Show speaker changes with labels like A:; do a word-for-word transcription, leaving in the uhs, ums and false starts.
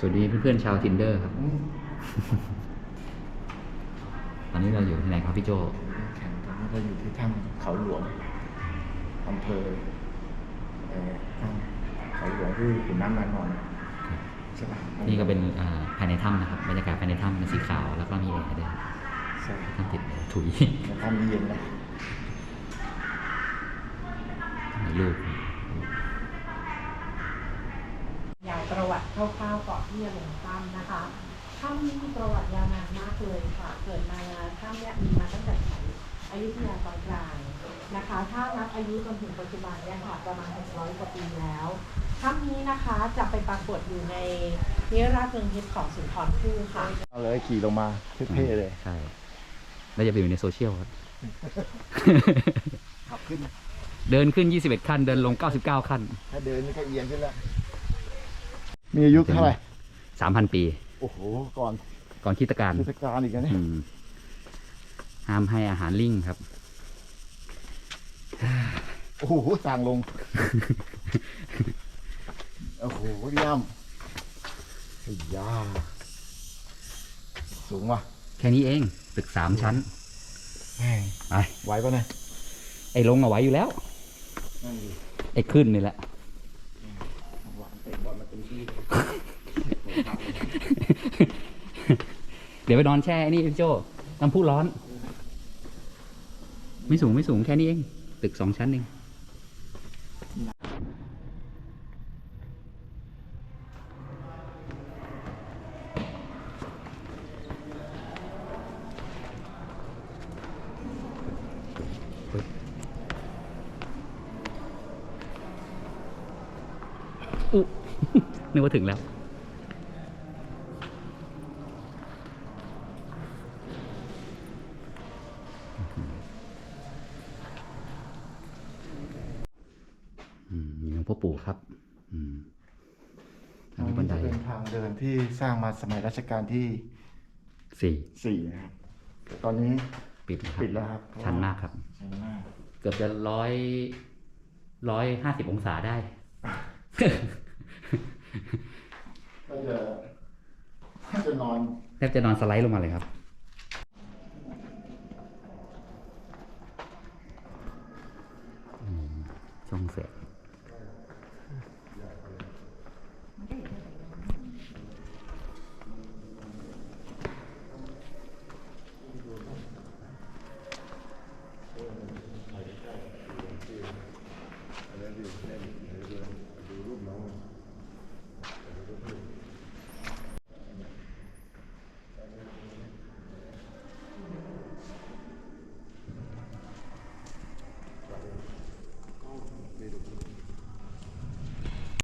A: วัสดีเพื่อนๆชาว Tinder ครับ ตอนนี้เราอยู่ที่ไหนครับพี่โจ
B: แข่งตอนนี้เราอยู่ที่ถ้ำเขาหลวงอำเภอเอ่อถ้ำเขาหลวงที่ขุนน้ำนางนอนใช่ปะ
A: นี่ก็เป็นภายในถ้ำนะครับบรรยากาศภายในถ้ำเป็นสีขาวแล้วก็มีแอร์ด้วย
B: ใช่
A: ถ้ำติดถุย
B: ในถ้ำนี้เย็นนะ
A: มีลูก
C: อย่างประวัติคร่าวๆก่อนที่จะลงถ้ำนะคะถ้ำนี้มีประวัติยาวนานมากเลยค่ะเกิดมาถ้ำเนี่ยมีมาตั้งแต่สมัยอยุธยาตอนกลางนะคะถ้านับอายุจนถึงปัจจุบันเนี่ยค่ะประมาณหกร้อยกว่าปีแล้วถ้ำนี้นะคะจะไปปรากฏอยู่ในนิราชเมืองทิพย์ของสุนทรภู่ค่ะ
B: เอาเลยขี่ลงมาเท่ๆเลย
A: ใช่แล้วจะไปอยู่ในโซเชียลครับ
B: ขับขึ้น
A: เดินขึ้นยี่สิบเอ็ดขั้นเดินลงเก้าสิบเก้าขั้น
B: ถ้าเดินนี่ก็เอียงขึ้นแล้วมีอายุเท่าไหร่
A: สามพันปี
B: โอ้โหก่อน
A: ก่อนคริสตกาล
B: คริสตกาลอีกนะเนี่ย
A: ห้ามให้อาหารลิงครับ
B: โอ้โหสางลงโอ้โหเยี่ยมไอ้ยาสูงว่ะ
A: แค่นี้เองตึกสามชั้น
B: ไปไหวป่ะเนี่ย
A: ไอ้ลงเอาไว้อยู่แล้วไอ้ขึ้นนี่แหละเดี๋ยวไปนอนแช่นี่พี่โจน้ำพุร้อนไม่สูงไม่สูงแค่นี้เองตึกสองชั้นเองอุ๊นึกว่าถึงแล้วมีหลวงพ่อปู่ครับ
B: ทางบันไดเป็นทางเดินที่สร้างมาสมัยรัชกาลที่
A: สี่
B: สี่นะครับตอนนี้
A: ปิด
B: ปิดแล้วครับ
A: ชันมากครับ
B: ชันมาก
A: เกือบจะร้อยร้อยห้าสิบองศาได้
B: ก็จะแทบจะนอน
A: แทบจะนอนสไลด์ลงมาเลยครับ